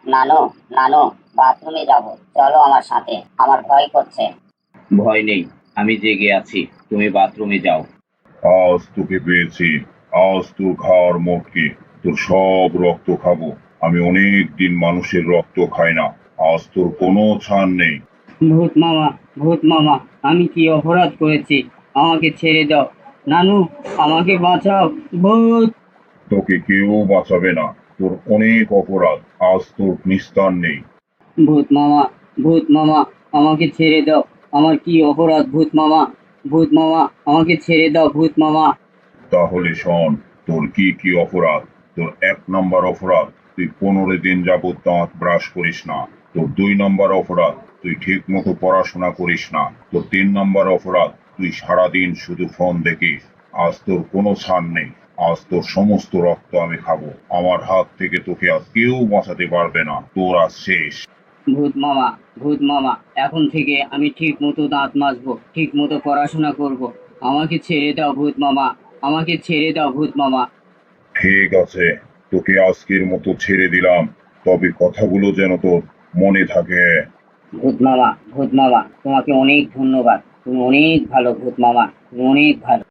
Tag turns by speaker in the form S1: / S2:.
S1: নানু, নানু, বাথরুমে যাব, চলো আমার সাথে, আমার ভয় করছে।
S2: ভয় নেই, আমি জেগে আছি, তুমি বাথরুমে যাও।
S3: আজ তোকে পেয়েছি। আজ তোর খাওয়ার মোটকে, তোর সব রক্ত খাবো। আমি অনেক দিন মানুষের রক্ত খাই না। আজ তোর কোনো ছাড় নেই।
S4: ভূত মামা, ভূত মামা, আমি কি অপরাধ করেছি? আমাকে ছেড়ে দাও। নানু, আমাকে বাঁচাও। ভূত!
S3: তোকে কেউ বাঁচাবে না। তোর অনেক অপরাধ। আজ তোর নিস্তার নেই।
S4: ভূত মামা, ভূত মামা, আমাকে ছেড়ে দাও। আমার কি অপরাধ ভূত মামা? ভূত মামা, আমাকে ছেড়ে দাও ভূত মামা।
S3: তাহলে শোন, তোর কি কি অপরাধ। তোর 1 নম্বর অপরাধ, তুই 15 দিন যাবত দাঁত ব্রাশ করিস না। তোর 2 নম্বর অপরাধ, তুই ঠিক মতো পড়াশোনা করিস না। তোর 3 নম্বর অপরাধ, তুই সারাদিন শুধু ফোন দেখিস। আজ তোর কোনো ছাড় নেই। আজ তোর সমস্ত রক্ত আমি খাবো। আমার হাত থেকে তোকে আজ কেউ বাঁচাতে পারবে না। তোর আজ শেষ।
S4: ভূত মামা, ভূত মামা, এখন থেকে আমি ঠিক মতো দাঁত মাজবো, ঠিক মতো পড়াশোনা করব। আমাকে ছেড়ে দাও ভূত মামা, আমাকে ছেড়ে দাও ভূত মামা।
S3: ঠিক আছে, তোকে আজকের মতো ছেড়ে দিলাম। তবে কথাগুলো যেন তোর মনে থাকে।
S4: ভূত মামা, ভূত মামা, তোমাকে অনেক ধন্যবাদ। তুমি অনেক ভালো ভূত মামা, তুমি অনেক ভালো।